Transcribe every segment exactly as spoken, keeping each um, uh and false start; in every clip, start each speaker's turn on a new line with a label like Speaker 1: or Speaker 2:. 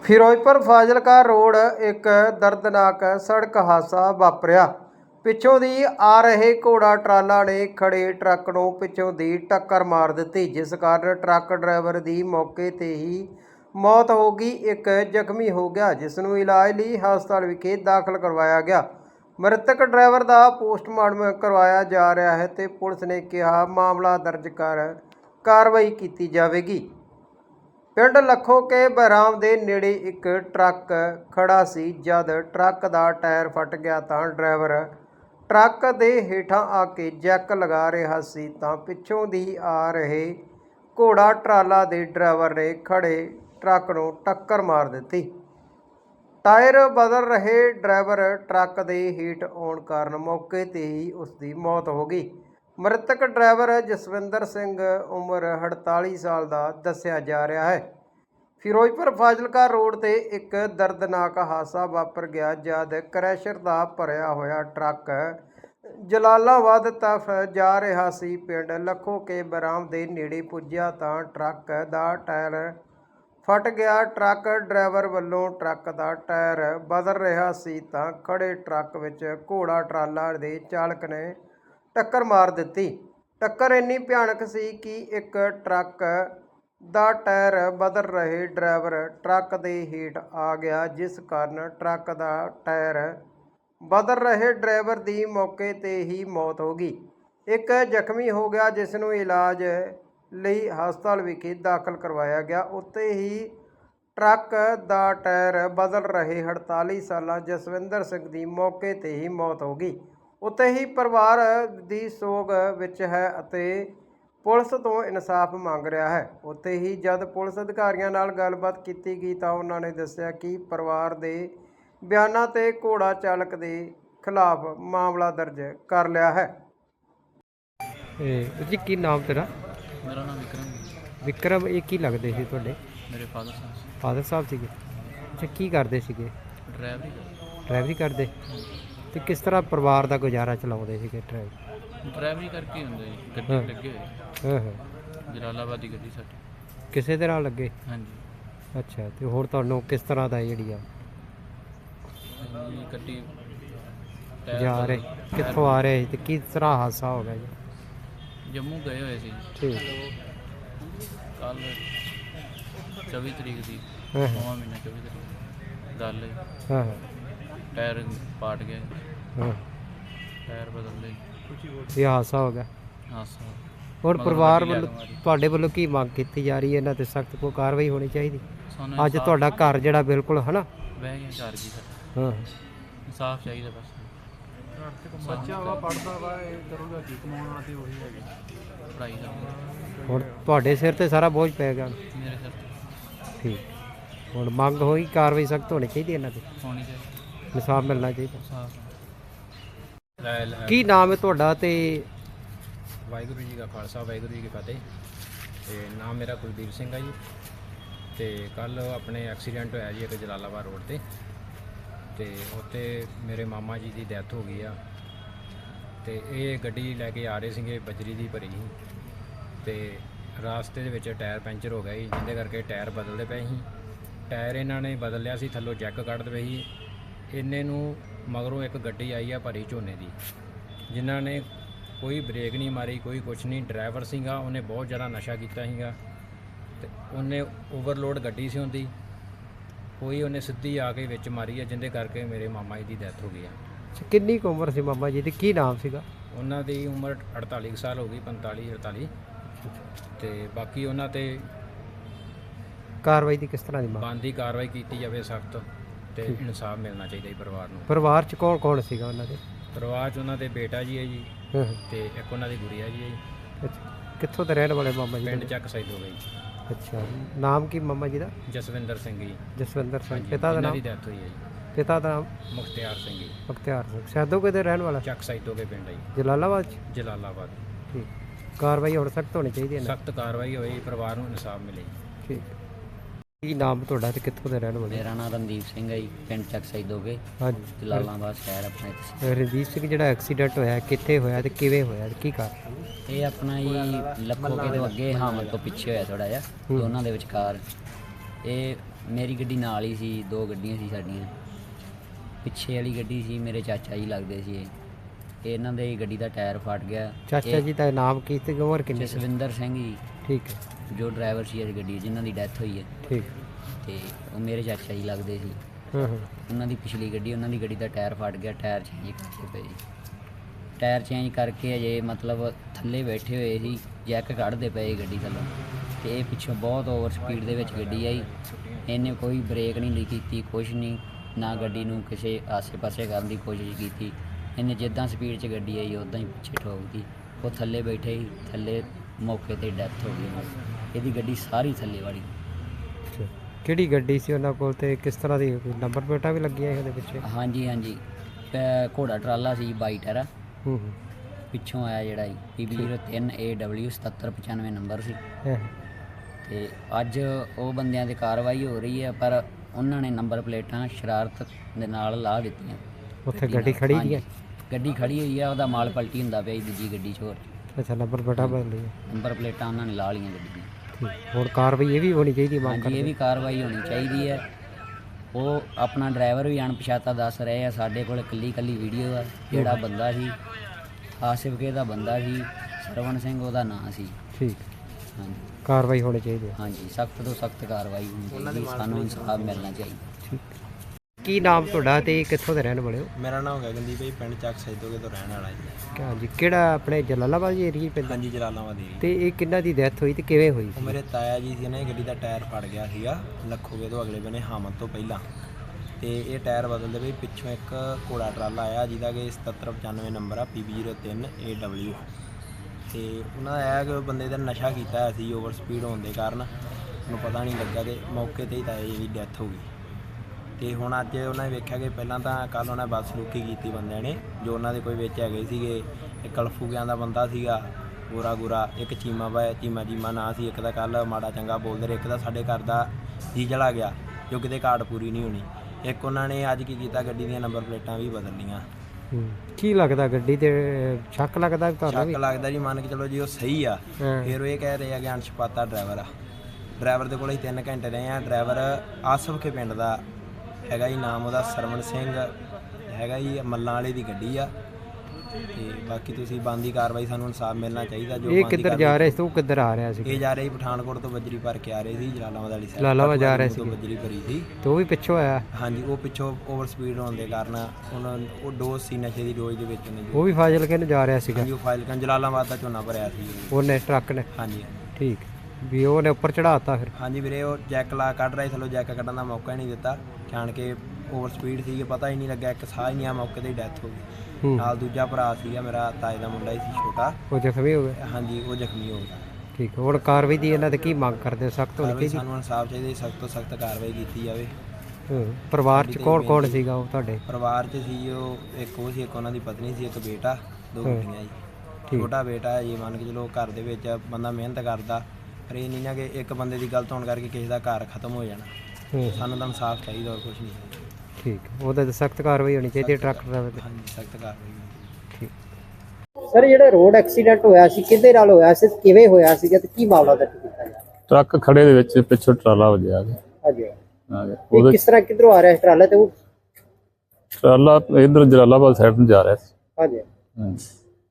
Speaker 1: Firozpur Fazilka road ਇੱਕ ਦਰਦਨਾਕ ਸੜਕ ਹਾਦਸਾ ਵਾਪਰਿਆ। ਪਿੱਛੋਂ ਦੀ ਆ ਰਹੇ ਘੋੜਾ ਟਰਾਲਾ ਨੇ ਖੜੇ ਟਰੱਕ ਨੂੰ ਪਿੱਛੋਂ ਦੀ ਟੱਕਰ ਮਾਰ ਦਿੱਤੀ, ਜਿਸ ਕਾਰਨ ਟਰੱਕ ਡਰਾਈਵਰ ਦੀ ਮੌਕੇ 'ਤੇ ਹੀ ਮੌਤ ਹੋ ਗਈ। ਇੱਕ ਜ਼ਖਮੀ ਹੋ ਗਿਆ, ਜਿਸ ਨੂੰ ਇਲਾਜ ਲਈ ਹਸਪਤਾਲ ਵਿਖੇ ਦਾਖਲ ਕਰਵਾਇਆ ਗਿਆ। ਮ੍ਰਿਤਕ ਡਰਾਈਵਰ ਦਾ ਪੋਸਟਮਾਰਟਮ ਕਰਵਾਇਆ ਜਾ ਰਿਹਾ ਹੈ ਤੇ ਪੁਲਿਸ ਨੇ ਕਿਹਾ ਮਾਮਲਾ ਦਰਜ ਕਰ ਕਾਰਵਾਈ ਕੀਤੀ ਜਾਵੇਗੀ। ਪਿੰਡ ਲੱਖੋ ਕੇ ਬਹਿਰਾਮ ਦੇ ਨੇੜੇ ਇੱਕ ਟਰੱਕ ਖੜਾ ਸੀ। ਜਦ ਟਰੱਕ ਦਾ ਟਾਇਰ ਫਟ ਗਿਆ ਤਾਂ ਡਰਾਈਵਰ ਟਰੱਕ ਦੇ ਹੇਠਾਂ ਆ ਕੇ ਜੈਕ ਲਗਾ ਰਿਹਾ ਸੀ ਤਾਂ ਪਿੱਛੋਂ ਦੀ ਆ ਰਹੇ ਘੋੜਾ ਟਰਾਲਾ ਦੇ ਡਰਾਈਵਰ ਨੇ ਖੜੇ ਟਰੱਕ ਨੂੰ ਟੱਕਰ ਮਾਰ ਦਿੱਤੀ। ਟਾਇਰ ਬਦਲ ਰਹੇ ਡਰਾਈਵਰ ਟਰੱਕ ਦੇ ਹੇਠ ਆਉਣ ਕਾਰਨ ਮੌਕੇ 'ਤੇ ਹੀ ਉਸ ਦੀ ਮੌਤ ਹੋ ਗਈ। ਮ੍ਰਿਤਕ ਡਰਾਈਵਰ ਜਸਵਿੰਦਰ ਸਿੰਘ ਉਮਰ ਅੜਤਾਲੀ ਸਾਲ ਦਾ ਦੱਸਿਆ ਜਾ ਰਿਹਾ ਹੈ। ਫਿਰੋਜ਼ਪੁਰ ਫਾਜ਼ਿਲਕਾ ਰੋਡ 'ਤੇ ਇੱਕ ਦਰਦਨਾਕ ਹਾਦਸਾ ਵਾਪਰ ਗਿਆ। ਜਦ ਕ੍ਰੈਸ਼ਰ ਦਾ ਭਰਿਆ ਹੋਇਆ ਟਰੱਕ ਜਲਾਲਾਬਾਦ ਤਰਫ ਜਾ ਰਿਹਾ ਸੀ। ਪਿੰਡ ਲੱਖੋ ਕੇ ਬਹਿਰਾਮ ਦੇ ਨੇੜੇ ਪੁੱਜਿਆ ਤਾਂ ਟਰੱਕ ਦਾ ਟਾਇਰ ਫਟ ਗਿਆ। ਟਰੱਕ ਡਰਾਈਵਰ ਵੱਲੋਂ ਟਰੱਕ ਦਾ ਟਾਇਰ ਬਦਲ ਰਿਹਾ ਸੀ ਤਾਂ ਖੜੇ ਟਰੱਕ ਵਿੱਚ ਘੋੜਾ ਟਰਾਲਾ ਦੇ ਚਾਲਕ ਨੇ ਟੱਕਰ ਮਾਰ ਦਿੱਤੀ। ਟੱਕਰ ਇੰਨੀ ਭਿਆਨਕ ਸੀ ਕਿ ਇੱਕ ਟਰੱਕ ਦਾ ਟਾਇਰ ਬਦਲ ਰਹੇ ਡਰਾਈਵਰ ਟਰੱਕ ਦੇ ਹੇਠ ਆ ਗਿਆ, ਜਿਸ ਕਾਰਨ ਟਰੱਕ ਦਾ ਟਾਇਰ ਬਦਲ ਰਹੇ ਡਰਾਈਵਰ ਦੀ ਮੌਕੇ 'ਤੇ ਹੀ ਮੌਤ ਹੋ ਗਈ। ਇੱਕ ਜ਼ਖਮੀ ਹੋ ਗਿਆ, ਜਿਸ ਨੂੰ ਇਲਾਜ ਲਈ ਹਸਪਤਾਲ ਵਿਖੇ ਦਾਖਲ ਕਰਵਾਇਆ ਗਿਆ। ਉੱਤੇ ਹੀ ਟਰੱਕ ਦਾ ਟਾਇਰ ਬਦਲ ਰਹੇ ਅੜਤਾਲੀ ਸਾਲਾ ਜਸਵਿੰਦਰ ਸਿੰਘ ਦੀ ਮੌਕੇ 'ਤੇ ਹੀ ਮੌਤ ਹੋ ਗਈ। ਉੱਤੇ ਹੀ ਪਰਿਵਾਰ ਦੀ ਸੋਗ ਵਿੱਚ ਹੈ ਅਤੇ ਪੁਲਿਸ ਤੋਂ ਇਨਸਾਫ ਮੰਗ ਰਿਹਾ ਹੈ। ਉੱਥੇ ਹੀ ਜਦ ਪੁਲਿਸ ਅਧਿਕਾਰੀਆਂ ਨਾਲ ਗੱਲਬਾਤ ਕੀਤੀ ਗਈ ਤਾਂ ਉਹਨਾਂ ਨੇ ਦੱਸਿਆ ਕਿ ਪਰਿਵਾਰ ਦੇ ਬਿਆਨਾਂ 'ਤੇ ਘੋੜਾ ਚਾਲਕ ਦੇ ਖਿਲਾਫ ਮਾਮਲਾ ਦਰਜ ਕਰ ਲਿਆ ਹੈ।
Speaker 2: ਜੀ ਕੀ ਨਾਮ ਤੇਰਾ?
Speaker 3: ਮੇਰਾ ਨਾਮ ਵਿਕਰਮ ਹੈ।
Speaker 2: ਵਿਕਰਮ, ਇਹ ਕੀ ਲੱਗਦੇ ਸੀ ਤੁਹਾਡੇ?
Speaker 3: ਮੇਰੇ ਫਾਦਰ ਸਾਹਿਬ
Speaker 2: ਫਾਦਰ ਸਾਹਿਬ ਸੀਗੇ। ਅੱਛਾ, ਕੀ ਕਰਦੇ ਸੀਗੇ?
Speaker 3: ਡਰਾਈਵਰੀ ਕਰਦੇ।
Speaker 2: ਡਰਾਈਵਰੀ ਕਰਦੇ। ਤੇ ਕਿਸ ਤਰ੍ਹਾਂ ਪਰਿਵਾਰ ਦਾ ਗੁਜ਼ਾਰਾ ਚਲਾਉਂਦੇ ਸੀਗੇ? ਡਰਾਈਵ
Speaker 3: ਡਰਾਈਵਰੀ ਕਰਕੇ ਹੁੰਦੇ ਜੀ, ਗੱਡੀ
Speaker 2: ਹਾਂ।
Speaker 3: ਲੱਗੇ ਹੋਏ
Speaker 2: ਹਾਂ ਹਾਂ
Speaker 3: ਜਲਾਲਾਬਾਦ ਦੀ ਗੱਡੀ ਸਾਡੀ।
Speaker 2: ਕਿਸੇ ਦੇ ਨਾਲ ਲੱਗੇ?
Speaker 3: ਹਾਂਜੀ
Speaker 2: ਅੱਛਾ, ਤੇ ਹੋਰ ਤੁਹਾਨੂੰ ਕਿਸ ਤਰ੍ਹਾਂ ਦਾ ਜਿਹੜੀ ਆ
Speaker 3: ਹਾਂਜੀ ਗੱਡੀ ਟਾਇਰ
Speaker 2: ਜਾ
Speaker 3: ਬਦਲ-
Speaker 2: ਰਹੇ
Speaker 3: ਟਾਇਰ
Speaker 2: ਕਿੱਥੋਂ ਆ ਰਹੇ ਤੇ ਕਿਸ ਤਰ੍ਹਾਂ ਹਾਦਸਾ ਹੋ ਗਿਆ ਜੀ?
Speaker 3: ਬਦਲ- ਜੰਮੂ ਗਏ ਹੋਏ ਸੀ
Speaker 2: ਠੀਕ।
Speaker 3: ਕੱਲ ਚੌਵੀ ਤਰੀਕ ਦੀ
Speaker 2: ਹਾਂ ਹਾਂ
Speaker 3: ਨੌਵਾਂ ਮਹੀਨਾ ਚੌਵੀ ਤਰੀਕ ਗੱਲ ਹੈ।
Speaker 2: ਹਾਂ ਹਾਂ
Speaker 3: ਟਾਇਰ ਪਾਟ ਗਿਆ,
Speaker 2: ਹਾਂ
Speaker 3: ਟਾਇਰ ਬਦਲ ਲਏ।
Speaker 2: ਇਹ ਹਾਦਸਾ ਹੋ ਗਿਆ।
Speaker 3: ਹਾਸਾ
Speaker 2: ਹੋਰ
Speaker 3: ਮਗਰ
Speaker 2: ਪਰਿਵਾਰ
Speaker 3: ਗੱਡੀ ਲੈ
Speaker 2: ਵੱਲੋਂ
Speaker 3: ਕੇ ਮਾਰੀ।
Speaker 2: ਤੁਹਾਡੇ ਵੱਲੋਂ ਕੀ ਮੰਗ ਕੀਤੀ ਜਾ ਰਹੀ ਹੈ? ਇਹਨਾਂ ਤੇ ਸਖਤ ਕੋਈ ਕਾਰਵਾਈ ਹੋਣੀ ਚਾਹੀਦੀ।
Speaker 3: ਸਾਨੂੰ
Speaker 2: ਅੱਜ
Speaker 3: ਇਨਸਾਫ਼-
Speaker 2: ਤੁਹਾਡਾ ਘਰ ਜਿਹੜਾ ਬਿਲਕੁਲ ਹੈ ਨਾ।
Speaker 3: ਬਹਿ ਗਿਆ ਘਰ ਜੀ ਸਾਡਾ।
Speaker 2: ਹਾਂ
Speaker 3: ਇਨਸਾਫ ਚਾਹੀਦਾ ਬਸ।
Speaker 4: ਬੱਚਾ ਵਾ ਪੜਦਾ ਵਾ, ਇਹ ਕਰੂਗਾ ਕੀ? ਕਮਾਉਣ ਵਾਲਾ ਤੇ ਉਹੀ ਹੈਗੇ।
Speaker 3: ਪੜ੍ਹਾਈ ਦਾ
Speaker 2: ਹੁਣ ਤੁਹਾਡੇ ਸਿਰ ਤੇ ਸਾਰਾ ਬੋਝ ਪੈ ਗਿਆ।
Speaker 3: ਮੇਰੇ ਸਿਰ ਤੇ
Speaker 2: ਠੀਕ। ਹੁਣ ਮੰਗ ਹੋਈ ਕਾਰਵਾਈ ਸਖਤ ਹੋਣੀ ਚਾਹੀਦੀ ਇਹਨਾਂ ਤੇ,
Speaker 3: ਹੋਣੀ ਚਾਹੀਦੀ।
Speaker 2: ਇਨਸਾਫ ਮਿਲਣਾ ਚਾਹੀਦਾ।
Speaker 3: ਸਾਫ
Speaker 2: ਕੀ ਨਾਮ ਹੈ ਤੁਹਾਡਾ? ਤੇ
Speaker 5: ਵਾਹਿਗੁਰੂ ਜੀ ਕਾ ਖਾਲਸਾ ਵਾਹਿਗੁਰੂ ਜੀ ਕੀ ਫਤਿਹ। ਤੇ ਨਾਮ ਮੇਰਾ ਕੁਲਦੀਪ ਸਿੰਘ ਹੈ ਜੀ। ਤੇ ਕੱਲ ਆਪਣੇ ਐਕਸੀਡੈਂਟ ਹੋਇਆ ਜੀ ਇੱਕ ਜਲਾਲਾਬਾਦ ਰੋਡ ਤੇ ਤੇ ਉੱਥੇ ਮੇਰੇ ਮਾਮਾ ਜੀ ਦੀ ਡੈਥ ਹੋ ਗਈ ਆ। ਤੇ ਇਹ ਗੱਡੀ ਲੈ ਕੇ ਆ ਰਹੇ ਸੀਗੇ, ਬਜਰੀ ਦੀ ਭਰੀ ਸੀ ਤੇ ਰਾਸਤੇ ਦੇ ਵਿੱਚ ਟਾਇਰ ਪੈਂਚਰ ਹੋ ਗਿਆ ਜੀ, ਜਿਹਦੇ ਕਰਕੇ ਟਾਇਰ ਬਦਲਦੇ ਪਏ ਸੀ। ਟਾਇਰ ਇਹਨਾਂ ਨੇ ਬਦਲ ਲਿਆ ਸੀ, ਥੱਲੋਂ ਜੈਕ ਕੱਢਦੇ ਪਏ ਸੀ। ਇੰਨੇ ਨੂੰ ਮਗਰੋਂ ਇੱਕ ਗੱਡੀ ਆਈ ਆ ਭਰੀ ਝੋਨੇ ਦੀ, ਜਿਨ੍ਹਾਂ ਨੇ ਕੋਈ ਬ੍ਰੇਕ ਨਹੀਂ ਮਾਰੀ, ਕੋਈ ਕੁਛ ਨਹੀਂ। ਡਰਾਈਵਰ ਸੀਗਾ, ਉਹਨੇ ਬਹੁਤ ਜ਼ਿਆਦਾ ਨਸ਼ਾ ਕੀਤਾ ਸੀਗਾ ਤੇ ਉਹਨੇ ਓਵਰਲੋਡ ਗੱਡੀ ਸੀ ਹੁੰਦੀ, ਕੋਈ ਉਹਨੇ ਸਿੱਧੀ ਆ ਕੇ ਵਿੱਚ ਮਾਰੀ ਆ, ਜਿਹਦੇ ਕਰਕੇ ਮੇਰੇ ਮਾਮਾ ਜੀ ਦੀ ਡੈਥ ਹੋ ਗਈ ਆ।
Speaker 2: ਕਿੰਨੀ ਕੁ ਉਮਰ ਸੀ ਮਾਮਾ ਜੀ ਦੀ? ਕੀ ਨਾਮ ਸੀਗਾ?
Speaker 5: ਉਹਨਾਂ ਦੀ ਉਮਰ ਅੜਤਾਲੀ ਕੁ ਸਾਲ ਹੋ ਗਈ, ਪੰਤਾਲੀ ਅੜਤਾਲੀ। ਤੇ ਬਾਕੀ ਉਹਨਾਂ ਤੇ
Speaker 2: ਕਾਰਵਾਈ ਦੀ ਕਿਸ ਤਰ੍ਹਾਂ ਦੀ ਮੰਗ?
Speaker 5: ਬਣਦੀ ਕਾਰਵਾਈ ਕੀਤੀ ਜਾਵੇ ਸਖਤ, ਤੇ ਇਨਸਾਫ ਮਿਲਣਾ ਚਾਹੀਦਾ ਜੀ ਪਰਿਵਾਰ ਨੂੰ।
Speaker 2: ਪਰਿਵਾਰ ਚ ਕੌਣ ਕੌਣ ਸੀਗਾ ਉਹਨਾਂ ਦੇ?
Speaker 5: ਪਰਿਵਾਰ 'ਚ ਉਹਨਾਂ ਦੇ ਬੇਟਾ ਜੀ ਹੈ ਜੀ,
Speaker 2: ਹਾਂ ਹਾਂ
Speaker 5: ਤੇ ਇੱਕ ਉਹਨਾਂ ਦੀ ਗੁੜੀਆ ਜੀ ਹੈ ਜੀ।
Speaker 2: ਅੱਛਾ, ਕਿੱਥੋਂ ਦੇ ਰਹਿਣ ਵਾਲੇ ਮਾਮਾ ਜੀ
Speaker 5: ਪਿੰਡ
Speaker 2: ਤੁਹਾਡੇ?
Speaker 5: ਚੱਕ ਸਾਈਦ ਹੋ ਗਈ ਜੀ।
Speaker 2: ਅੱਛਾ, ਨਾਮ ਕੀ ਮਾਮਾ ਜੀ ਦਾ?
Speaker 5: ਜਸਵਿੰਦਰ ਸਿੰਘ ਜੀ।
Speaker 2: ਜਸਵਿੰਦਰ ਸਿੰਘ।
Speaker 5: ਹਾਂਜੀ,
Speaker 2: ਪਿਤਾ ਦਾ
Speaker 5: ਇਹਨਾਂ
Speaker 2: ਨਾਮ?
Speaker 5: ਦੀ ਡੈਥ ਹੋਈ ਹੈ ਜੀ।
Speaker 2: ਪਿਤਾ ਦਾ ਨਾਮ?
Speaker 5: ਮੁਖਤਿਆਰ ਸਿੰਘ ਜੀ।
Speaker 2: ਬਖਤਿਆਰ ਸਿੰਘ। ਸੈਦੋਕੇ ਦੇ ਰਹਿਣ ਵਾਲਾ?
Speaker 5: ਚੱਕ ਸਾਈਤੋ ਕੇ ਪਿੰਡ ਹੈ ਜੀ,
Speaker 2: ਜਲਾਲਾਬਾਦ ਚ?
Speaker 5: ਜਲਾਲਾਬਾਦ।
Speaker 2: ਠੀਕ। ਕਾਰਵਾਈ ਹੁਣ ਸਖਤ ਹੋਣੀ ਚਾਹੀਦੀ ਹੈ ਨਾ?
Speaker 5: ਸਖਤ ਕਾਰਵਾਈ ਹੋਈ, ਪਰਿਵਾਰ ਨੂੰ ਇਨਸਾਫ ਮਿਲੇ।
Speaker 2: ਠੀਕ। ਕੀ ਨਾਮ ਤੁਹਾਡਾ ਤੇ ਕਿੱਥੋਂ ਦੇ ਰਹਿਣ ਵਾਲੇ?
Speaker 6: ਮੇਰਾ ਨਾਮ ਰਣਦੀਪ ਸਿੰਘ ਹੈ ਜੀ, ਪਿੰਡ ਚੱਕ ਸੈਦੋਗੇ,
Speaker 2: ਹਾਂਜੀ।
Speaker 6: ਜਲਾਲਾਬਾਦ ਸ਼ਹਿਰ ਆਪਣਾ ਇੱਥੇ।
Speaker 2: ਰਣਜੀਤ ਸਿੰਘ, ਜਿਹੜਾ ਐਕਸੀਡੈਂਟ ਹੋਇਆ ਕਿੱਥੇ ਹੋਇਆ ਤੇ ਕਿਵੇਂ ਹੋਇਆ ਤੇ ਕੀ ਕਾਰਨ?
Speaker 6: ਇਹ ਆਪਣਾ ਜੀ ਲੱਖੋ ਕੇ ਤੋਂ ਅੱਗੇ ਹਾਮਲ ਤੋਂ ਪਿੱਛੇ ਹੋਇਆ ਥੋੜਾ ਜਿਹਾ, ਦੋਨਾਂ ਦੇ ਵਿਚਕਾਰ। ਇਹ ਮੇਰੀ ਗੱਡੀ ਨਾਲ ਹੀ ਸੀ, ਦੋ ਗੱਡੀਆਂ ਸੀ ਸਾਡੀਆਂ। ਪਿੱਛੇ ਵਾਲੀ ਗੱਡੀ ਸੀ ਮੇਰੇ ਚਾਚਾ ਜੀ ਲੱਗਦੇ ਸੀ। ਇਹ ਇਹਨਾਂ ਦੇ ਗੱਡੀ ਦਾ ਟਾਇਰ ਫਟ ਗਿਆ।
Speaker 2: ਚਾਚਾ
Speaker 6: ਇਹ
Speaker 2: ਜੀ ਦਾ ਨਾਮ ਕੀ ਤੇ ਉਮਰ ਕਿੰਨੀ ਸੀ?
Speaker 6: ਜਸਵਿੰਦਰ ਸਿੰਘ ਜੀ,
Speaker 2: ਠੀਕ ਹੈ,
Speaker 6: ਜੋ ਡਰਾਈਵਰ ਸੀ ਇਸ ਗੱਡੀ ਜਿਨ੍ਹਾਂ ਦੀ ਡੈਥ ਹੋਈ ਹੈ।
Speaker 2: ਠੀਕ।
Speaker 6: ਤੇ ਉਹ ਮੇਰੇ ਚਾਚਾ ਜੀ ਲੱਗਦੇ ਸੀ।
Speaker 2: ਹਾਂ ਹਾਂ
Speaker 6: ਉਹਨਾਂ ਦੀ ਪਿਛਲੀ ਗੱਡੀ, ਉਹਨਾਂ ਦੀ ਗੱਡੀ ਦਾ ਟਾਇਰ ਫਟ ਗਿਆ। ਟਾਇਰ ਚੇਂਜ ਕਰਕੇ ਪਏ ਜੀ। ਟਾਇਰ ਚੇਂਜ ਕਰਕੇ ਅਜੇ ਮਤਲਬ ਥੱਲੇ ਬੈਠੇ ਹੋਏ ਸੀ, ਜੈਕ ਕੱਢਦੇ ਪਏ ਗੱਡੀ ਥੱਲੋਂ। ਤੇ ਇਹ ਪਿੱਛੋਂ ਬਹੁਤ ਓਵਰ ਸਪੀਡ ਦੇ ਵਿੱਚ ਗੱਡੀ ਆਈ। ਇਹਨੇ ਕੋਈ ਬ੍ਰੇਕ ਨਹੀਂ ਲਈ ਕੀਤੀ, ਕੁਛ ਨਹੀਂ, ਨਾ ਗੱਡੀ ਨੂੰ ਕਿਸੇ ਆਸੇ-ਪਾਸੇ ਕਰਨ ਦੀ ਕੋਸ਼ਿਸ਼ ਕੀਤੀ। ਇਹਨੇ ਜਿੱਦਾਂ ਸਪੀਡ 'ਚ ਗੱਡੀ ਆਈ ਉੱਦਾਂ ਹੀ ਪਿੱਛੇ ਠੋਕਦੀ। ਉਹ ਥੱਲੇ ਬੈਠੇ ਹੀ, ਥੱਲੇ ਮੌਕੇ 'ਤੇ ਡੈਥ ਹੋ ਗਈ। ਇਹਦੀ ਗੱਡੀ ਸਾਰੀ ਥੱਲੇ ਵਾਲੀ।
Speaker 2: ਅੱਛਾ। ਕਿਹੜੀ ਗੱਡੀ ਸੀ ਉਹਨਾਂ ਕੋਲ ਤੇ ਕਿਸ ਤਰ੍ਹਾਂ ਦੀ ਨੰਬਰ ਪਲੇਟਾਂ ਵੀ ਲੱਗੀਆਂ ਇਹਦੇ ਪਿੱਛੇ?
Speaker 6: ਹਾਂਜੀ ਹਾਂਜੀ, ਪੈ- ਘੋੜਾ ਟਰਾਲਾ ਸੀ ਬਾਈ ਟਾਇਰਾ।
Speaker 2: ਹੂੰ ਹੂੰ
Speaker 6: ਪਿੱਛੋਂ ਆਇਆ ਜਿਹੜਾ ਜੀ ਪੀ ਬੀ ਜ਼ੀਰੋ ਤਿੰਨ ਏ ਡਬਲਿਊ ਸਤੱਤਰ ਪਚਾਨਵੇਂ ਨੰਬਰ ਸੀ।
Speaker 2: ਹਾਂ।
Speaker 6: ਤੇ ਅੱਜ ਉਹ ਬੰਦਿਆਂ 'ਤੇ ਕਾਰਵਾਈ ਹੋ ਰਹੀ ਹੈ, ਪਰ ਉਹਨਾਂ ਨੇ ਨੰਬਰ ਪਲੇਟਾਂ ਸ਼ਰਾਰਤ ਦੇ ਨਾਲ ਲਾ ਦਿੱਤੀਆਂ।
Speaker 2: ਉੱਥੇ ਗੱਡੀ ਖੜੀ ਦੀ ਹੈ?
Speaker 6: ਹਾਂਜੀ, ਗੱਡੀ ਖੜੀ ਹੋਈ ਆ, ਉਹਦਾ ਮਾਲ ਪਲਟੀ ਹੁੰਦਾ ਪਿਆ ਜੀ ਦੂਜੀ ਗੱਡੀ 'ਚ। ਹੋਰ
Speaker 2: ਅੱਛਾ, ਨੰਬਰ ਪਲੇਟਾਂ ਬਦਲ ਲਈ ਹੈ।
Speaker 6: ਨੰਬਰ ਪਲੇਟਾਂ ਉਹਨਾਂ ਨੇ ਲਾ ਲਈਆਂ ਗੱਡੀ ਦੀਆਂ।
Speaker 2: ਠੀਕ। ਹੁਣ ਕਾਰਵਾਈ ਇਹ ਵੀ ਹੋਣੀ ਚਾਹੀਦੀ ਮੰਗ
Speaker 6: ਹਾਂਜੀ, ਇਹ
Speaker 2: ਕਰਦੇ?
Speaker 6: ਵੀ ਕਾਰਵਾਈ ਹੋਣੀ ਚਾਹੀਦੀ ਹੈ। ਉਹ ਆਪਣਾ ਡਰਾਈਵਰ ਵੀ ਅਣਪਛਾਤਾ ਦੱਸ ਰਹੇ ਆ। ਸਾਡੇ ਕੋਲ ਇਕੱਲੀ ਇਕੱਲੀ ਵੀਡੀਓ ਆ। ਜਿਹੜਾ ਬੰਦਾ ਸੀ ਆਸਿਫਕੇ ਦਾ ਬੰਦਾ ਸੀ, ਸਰਵਣ ਸਿੰਘ ਉਹਦਾ ਨਾਂ ਸੀ।
Speaker 2: ਠੀਕ।
Speaker 6: ਹਾਂਜੀ
Speaker 2: ਕਾਰਵਾਈ ਹੋਣੀ ਚਾਹੀਦੀ ਹੈ।
Speaker 6: ਹਾਂਜੀ, ਸਖਤ ਤੋਂ ਸਖਤ ਕਾਰਵਾਈ ਹੋਣੀ ਚਾਹੀਦੀ। ਸਾਨੂੰ ਇਨਸਾਫ ਮਿਲਣਾ ਚਾਹੀਦਾ।
Speaker 2: ਠੀਕ। ਕੀ ਨਾਮ ਤੁਹਾਡਾ ਤੇ ਕਿੱਥੋਂ ਦੇ ਰਹਿਣ ਵਾਲੇ ਹੋ?
Speaker 7: ਮੇਰਾ ਨਾਮ ਗਗਨਦੀਪ ਭਾਈ, ਪਿੰਡ ਚੱਕ ਸੈਦੋਗੇ ਤੋਂ ਰਹਿਣ ਵਾਲਾ ਜੀ।
Speaker 2: ਹਾਂਜੀ। ਕਿਹੜਾ ਆਪਣੇ ਜਲਾਲਾਬਾਦ ਏਰੀਆ ਪੈਂਦਾ?
Speaker 7: ਹਾਂਜੀ, ਜਲਾਲਾਬਾਦ ਦੀ।
Speaker 2: ਤੇ ਇਹ ਕਿੰਨਾ ਦੀ ਡੈਥ ਹੋਈ ਤੇ ਕਿਵੇਂ ਹੋਈ
Speaker 7: ਉਹ
Speaker 2: ਸੀ?
Speaker 7: ਮੇਰੇ ਤਾਇਆ ਜੀ ਸੀ ਨਾ, ਗੱਡੀ ਦਾ ਟਾਇਰ ਫਟ ਗਿਆ ਸੀਗਾ ਲੱਖੋਗੇ ਤੋਂ ਅਗਲੇ ਬਨੇ ਹਾਮਦ ਤੋਂ ਪਹਿਲਾਂ। ਤੇ ਇਹ ਟਾਇਰ ਬਦਲਦੇ ਵੀ ਪਿੱਛੋਂ ਇੱਕ ਘੋੜਾ ਟਰਾਲਾ ਆਇਆ ਜਿਹਦਾ ਕਿ ਸਤੱਤਰ ਪਚਾਨਵੇਂ ਨੰਬਰ ਆ, ਪੀ ਬੀ ਜ਼ੀਰੋ ਤਿੰਨ ਏ ਡਬਲਿਊ। ਤੇ ਉਹਨਾਂ ਦਾ ਇਹ ਕਿ ਬੰਦੇ ਦਾ ਨਸ਼ਾ ਕੀਤਾ ਹੋਇਆ ਸੀ ਓਵਰ ਸਪੀਡ ਹੋਣ ਦੇ ਕਾਰਨ, ਉਹਨੂੰ ਪਤਾ ਨਹੀਂ ਲੱਗਾ ਤੇ ਮੌਕੇ 'ਤੇ ਹੀ ਤਾਇਆ ਜੀ ਦੀ ਡੈਥ ਹੋ ਗਈ। ਤੇ ਹੁਣ ਅੱਜ ਉਹਨਾਂ ਨੇ ਵੇਖਿਆ ਕਿ ਪਹਿਲਾਂ ਤਾਂ ਕੱਲ੍ਹ ਉਹਨਾਂ ਬੱਸ ਰੁਕੀ ਕੀਤੀ ਬੰਦਿਆਂ ਨੇ, ਜੋ ਉਹਨਾਂ ਦੇ ਕੋਈ ਵਿੱਚ ਹੈਗੇ ਸੀਗੇ। ਇੱਕ ਕਲਫੂਗਿਆਂ ਦਾ ਬੰਦਾ ਸੀਗਾ, ਗੋਰਾ ਗੋਰਾ, ਇੱਕ ਚੀਮਾ ਬਾਈ ਚੀਮਾ ਚੀਮਾ ਨਾਂ ਸੀ ਇੱਕ ਦਾ। ਕੱਲ੍ਹ ਮਾੜਾ ਚੰਗਾ ਬੋਲਦੇ ਰਹੇ। ਇੱਕ ਦਾ ਸਾਡੇ ਘਰ ਦਾ ਜੀ ਚਲਾ ਗਿਆ ਜੋ ਕਿਤੇ ਕਾਰਡ ਪੂਰੀ ਨਹੀਂ ਹੋਣੀ। ਇੱਕ ਉਹਨਾਂ ਨੇ ਅੱਜ ਕੀ ਕੀਤਾ, ਗੱਡੀ ਦੀਆਂ ਨੰਬਰ ਪਲੇਟਾਂ ਵੀ ਬਦਲ ਲਈਆਂ।
Speaker 2: ਹੂੰ। ਕੀ ਲੱਗਦਾ ਗੱਡੀ ਤੇ ਸ਼ੱਕ ਲੱਗਦਾ ਤੁਹਾਨੂੰ ਵੀ?
Speaker 7: ਸ਼ੱਕ ਲੱਗਦਾ ਜੀ, ਮੰਨ ਕੇ ਚਲੋ ਜੀ ਉਹ ਸਹੀ ਆ।
Speaker 2: ਹਾਂ।
Speaker 7: ਫਿਰ ਉਹ ਇਹ ਕਹਿ ਰਹੇ ਆ ਕਿ ਅਣਛਪਾਤਾ ਡਰਾਈਵਰ ਆ। ਡਰਾਈਵਰ ਦੇ ਕੋਲ ਅਸੀਂ ਤਿੰਨ ਘੰਟੇ ਰਹੇ ਆ। ਡਰਾਈਵਰ ਆਸਫਕੇ ਪਿੰਡ ਦਾ ਹੈਗਾ ਜੀ, ਨਾਮ ਉਹਦਾ ਸਰਵਣ ਸਿੰਘ ਹੈਗਾ ਜੀ। ਮੱਲਾਂ ਵਾਲੇ ਦੀ ਗੱਡੀ ਆ। ਤੇ ਬਾਕੀ ਤੁਸੀਂ ਬਣਦੀ ਕਾਰਵਾਈ, ਸਾਨੂੰ ਇਨਸਾਫ ਮਿਲਣਾ ਚਾਹੀਦਾ। ਜੋ
Speaker 2: ਇਹ
Speaker 7: ਬਣਦੀ
Speaker 2: ਕਿੱਧਰ ਜਾ
Speaker 7: ਕਾਰਵਾਈ-
Speaker 2: ਰਿਹਾ ਸੀ? ਤੂੰ ਕਿੱਧਰ ਆ ਰਿਹਾ ਸੀ?
Speaker 7: ਇਹ ਜਾ ਰਹੇ ਸੀ ਪਠਾਨਕੋਟ ਤੋਂ, ਬੱਜਰੀ ਭਰ ਕੇ ਆ ਰਹੇ ਸੀ ਜਲਾਲਾਬਾਦ ਵਾਲੀ ਸਾਈਡ।
Speaker 2: ਜਲਾਲਾਬਾਦ ਜਾ ਰਹੇ
Speaker 7: ਤੋਂ
Speaker 2: ਸੀਗੇ।
Speaker 7: ਬੱਜਰੀ ਭਰੀ ਸੀ।
Speaker 2: ਤੇ ਉਹ ਵੀ ਪਿੱਛੋਂ ਆਇਆ?
Speaker 7: ਹਾਂਜੀ, ਉਹ ਪਿੱਛੋਂ ਓਵਰ ਸਪੀਡ ਹੋਣ ਦੇ ਕਾਰਨ ਉਹਨਾਂ ਉਹ ਡੋਜ਼ ਸੀ ਨਸ਼ੇ ਦੀ ਡੋਜ਼ ਦੇ ਵਿੱਚ ਉਹਨੇ
Speaker 2: ਉਹ ਵੀ ਫਾਜ਼ਿਲਕੇ ਨੂੰ ਜਾ ਰਿਹਾ ਸੀਗਾ?
Speaker 7: ਹਾਂਜੀ, ਉਹ ਫਾਈਲ ਕਰਨ ਜਲਾਲਾਬਾਦ ਦਾ ਝੋਨਾ ਭਰਿਆ ਸੀ।
Speaker 2: ਉਹਨੇ ਟਰੱਕ ਨੇ?
Speaker 7: ਹਾਂਜੀ
Speaker 2: ਠੀਕ। ਵੀ ਉਹਨੇ ਉੱਪਰ ਚੜਾਤਾ ਫਿਰ?
Speaker 7: ਹਾਂਜੀ ਵੀਰੇ, ਉਹ ਜੈਕ ਲਾ ਕੱਢ ਰਿਹਾ ਸੀ ਥੱਲੋਂ, ਜੈਕ ਕੱਢਣ ਦਾ ਮੌਕਾ ਹੀ ਨਹੀਂ ਦਿੱਤਾ। ਜਾਣ ਕੇ ਓਵਰ ਸਪੀਡ ਸੀ, ਪਤਾ ਹੀ ਨਹੀਂ ਲੱਗਿਆ, ਇੱਕ ਸਾਹ ਹੀ ਨਹੀਂ ਆ, ਮੌਕੇ 'ਤੇ ਹੀ ਡੈਥ ਹੋ ਗਈ।
Speaker 2: ਹੂੰ।
Speaker 7: ਨਾਲ ਦੂਜਾ ਭਰਾ ਸੀਗਾ ਮੇਰਾ, ਤਾਏ ਦਾ ਮੁੰਡਾ ਹੀ ਸੀ ਛੋਟਾ,
Speaker 2: ਉਹ ਜ਼ਖਮੀ ਹੋ ਗਿਆ?
Speaker 7: ਹਾਂਜੀ ਉਹ ਜ਼ਖਮੀ ਹੋ ਗਿਆ।
Speaker 2: ਠੀਕ। ਹੁਣ ਕਾਰਵਾਈ ਦੀ ਇਹਨਾਂ ਤੇ ਕੀ ਮੰਗ ਕਰਦੇ ਹੋ? ਸਖਤ ਹੋਣੀ
Speaker 7: ਕਾਰਵਾਈ
Speaker 2: ਚਾਹੀਦੀ?
Speaker 7: ਸਾਨੂੰ ਇਨਸਾਫ ਚਾਹੀਦਾ, ਸਖਤ ਤੋਂ ਸਖਤ ਕਾਰਵਾਈ ਕੀਤੀ ਜਾਵੇ।
Speaker 2: ਹਾਂ। ਪਰਿਵਾਰ 'ਚ ਕੌਣ ਕੌਣ ਸੀਗਾ ਉਹ ਤੁਹਾਡੇ?
Speaker 7: ਪਰਿਵਾਰ 'ਚ ਸੀ ਉਹ ਇੱਕ ਉਹ ਸੀ, ਇੱਕ ਉਹਨਾਂ ਦੀ ਪਤਨੀ ਸੀ, ਇੱਕ ਬੇਟਾ, ਦੋ
Speaker 2: ਹਾਂ।
Speaker 7: ਬੇਟੀਆਂ ਜੀ।
Speaker 2: ਠੀਕ।
Speaker 7: ਛੋਟਾ ਬੇਟਾ ਹੈ ਜੀ। ਮੰਨ ਕੇ ਚਲੋ ਘਰ ਦੇ ਵਿੱਚ ਬੰਦਾ ਮਿਹਨਤ ਕਰਦਾ, ਪਰ ਇਹ ਨਹੀਂ ਨਾ ਕਿ ਇੱਕ ਬੰਦੇ ਦੀ ਗਲਤ ਹੋਣ ਕਰਕੇ ਕਿਸੇ ਦਾ ਘਰ ਖਤਮ ਹੋ ਜਾਣਾ।
Speaker 2: ਹੂੰ।
Speaker 7: ਸਾਨੂੰ ਤਾਂ ਇਨਸਾਫ ਚਾਹੀਦਾ, ਹੋਰ ਕੁਝ ਨਹੀਂ।
Speaker 2: ਠੀਕ। ਉਹਦੇ ਤੇ ਸਖਤ ਕਾਰਵਾਈ ਹੋਣੀ ਚਾਹੀਦੀ ਹੈ ਟਰੱਕ ਡਰਾਈਵਰ ਤੇ?
Speaker 7: ਹਾਂਜੀ, ਸਖਤ ਕਾਰਵਾਈ।
Speaker 2: ਠੀਕ। ਸਰ, ਜਿਹੜਾ ਰੋਡ ਐਕਸੀਡੈਂਟ ਹੋਇਆ ਸੀ ਕਿਹਦੇ ਨਾਲ ਹੋਇਆ ਸੀ, ਕਿਵੇਂ ਹੋਇਆ ਸੀਗਾ ਤੇ ਕੀ ਮਾਮਲਾ ਦਰਜ ਕੀਤਾ ਗਿਆ?
Speaker 8: ਟਰੱਕ ਖੜੇ ਦੇ ਵਿੱਚ ਪਿੱਛੋਂ ਟਰਾਲਾ ਵੱਜਿਆ ਆ ਗਿਆ
Speaker 2: ਹਾਂਜੀ।
Speaker 8: ਆ ਗਿਆ
Speaker 2: ਇਹ
Speaker 8: ਉਹਦੇ
Speaker 2: ਕਿਸ ਤਰ੍ਹਾਂ ਕਿੱਧਰੋਂ ਆ ਰਿਹਾ ਸੀ ਟਰਾਲਾ ਤੇ ਉਹ?
Speaker 8: ਟਰਾਲਾ ਇਧਰ ਜਲਾਲਾਬਾਦ ਸਾਈਡ ਨੂੰ ਜਾ ਰਿਹਾ ਸੀ।
Speaker 2: ਹਾਂਜੀ।
Speaker 8: ਹਾਂਜੀ।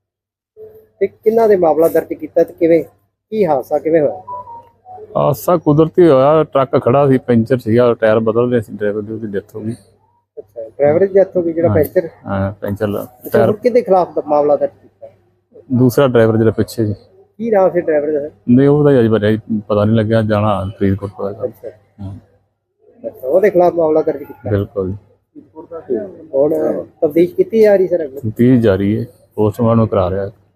Speaker 2: ਤੇ ਕਿੰਨਾ ਦੇ ਮਾਮਲਾ ਦਰਜ ਕੀਤਾ ਤੇ ਕਿਵੇਂ, ਕੀ ਹਾਦਸਾ ਕਿਵੇਂ ਹੋਇਆ?
Speaker 8: ਹਾਦਸਾ ਕੁਦਰਤੀ ਹੋਇਆ, ਟਰੱਕ ਖੜਾ ਸੀ, ਪੈਂਚਰ ਸੀਗਾ, ਟਾਇਰ ਬਦਲ ਰਹੇ ਸੀ, ਡਰਾਈਵਰ ਦੀ ਉਹਦੀ ਡੈਥ ਹੋ ਗਈ।
Speaker 2: ਅੱਛਾ, ਡਰਾਈਵਰ ਦੀ ਡੈਥ ਹੋ ਗਈ ਜਿਹੜਾ ਪੈਂਚਰ?
Speaker 8: ਹਾਂ, ਪੈਂਚਰ
Speaker 2: ਅੱਛਾ,
Speaker 8: ਟਾਇਰ।
Speaker 2: ਹੁਣ ਕਿਹਦੇ ਖਿਲਾਫ ਦਾ ਮਾਮਲਾ ਦਰਜ ਕੀਤਾ?
Speaker 8: ਦੂਸਰਾ ਡਰਾਈਵਰ ਜਿਹੜਾ ਪਿੱਛੇ ਜੀ।
Speaker 2: ਕੀ ਨਾਮ ਸੀ ਡਰਾਈਵਰ ਦਾ?
Speaker 8: ਨਹੀਂ, ਉਹਦਾ ਅਜੇ ਬਾਰੇ ਪਤਾ ਨਹੀਂ ਲੱਗਿਆ, ਜਾਣਾ ਫਰੀਦਕੋਟ ਪਤਾ ਕਰ।
Speaker 2: ਅੱਛਾ।
Speaker 8: ਹਾਂ,
Speaker 2: ਅੱਛਾ, ਉਹਦੇ ਖਿਲਾਫ ਮਾਮਲਾ ਦਰਜ ਕੀਤਾ?
Speaker 8: ਬਿਲਕੁਲ।
Speaker 2: ਹੁਣ ਤਬਦੀਸ਼ ਕੀਤੀ ਜਾ ਰਹੀ ਸਰ?
Speaker 8: ਤੀਹ ਜਾਰੀ ਹੈ, ਪੋਸਟਮਾਰਟਮ ਕਰਾ ਰਿਹਾ।